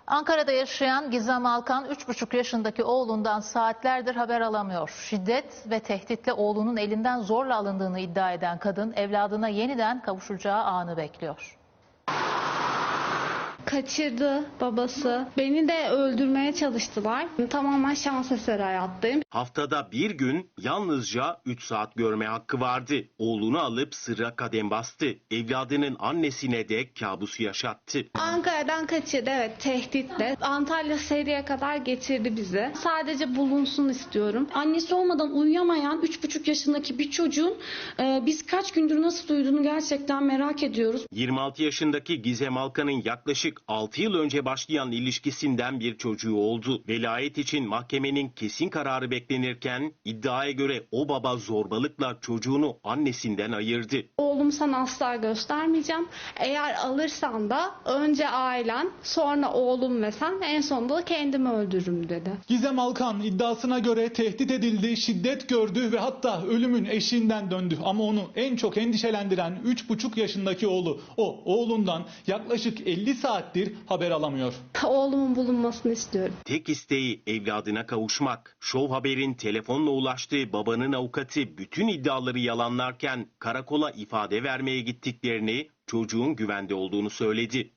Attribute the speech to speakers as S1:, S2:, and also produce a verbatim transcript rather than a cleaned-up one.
S1: Ankara'da yaşayan Gizem Alkan üç buçuk yaşındaki oğlundan saatlerdir haber alamıyor. Şiddet ve tehditle oğlunun elinden zorla alındığını iddia eden kadın evladına yeniden kavuşacağı anı bekliyor.
S2: Kaçırdı babası. Beni de öldürmeye çalıştılar. Tamamen şans eseri hayattayım.
S3: Haftada bir gün yalnızca üç saat görme hakkı vardı. Oğlunu alıp sırra kadem bastı. Evladının annesine de kabusu yaşattı.
S2: Ankara'dan kaçırdı, evet, tehditle. Antalya Seri'ye kadar getirdi bizi. Sadece bulunsun istiyorum.
S4: Annesi olmadan uyuyamayan üç buçuk yaşındaki bir çocuğun e, biz kaç gündür nasıl uyuduğunu gerçekten merak ediyoruz.
S3: yirmi altı yaşındaki Gizem Alkan'ın yaklaşık altı yıl önce başlayan ilişkisinden bir çocuğu oldu. Velayet için mahkemenin kesin kararı beklenirken iddiaya göre o baba zorbalıkla çocuğunu annesinden ayırdı.
S2: Oğlum sana asla göstermeyeceğim. Eğer alırsan da önce ailen, sonra oğlum ve sen, en sonunda da kendimi öldürürüm dedi.
S5: Gizem Alkan iddiasına göre tehdit edildi, şiddet gördü ve hatta ölümün eşiğinden döndü. Ama onu en çok endişelendiren üç buçuk yaşındaki oğlu. O oğlundan yaklaşık elli saattir haber alamıyor.
S2: Oğlumun bulunmasını istiyorum.
S3: Tek isteği evladına kavuşmak. Show Haber'in telefonla ulaştığı babanın avukatı bütün iddiaları yalanlarken karakola ifade vermeye gittiklerini, çocuğun güvende olduğunu söyledi.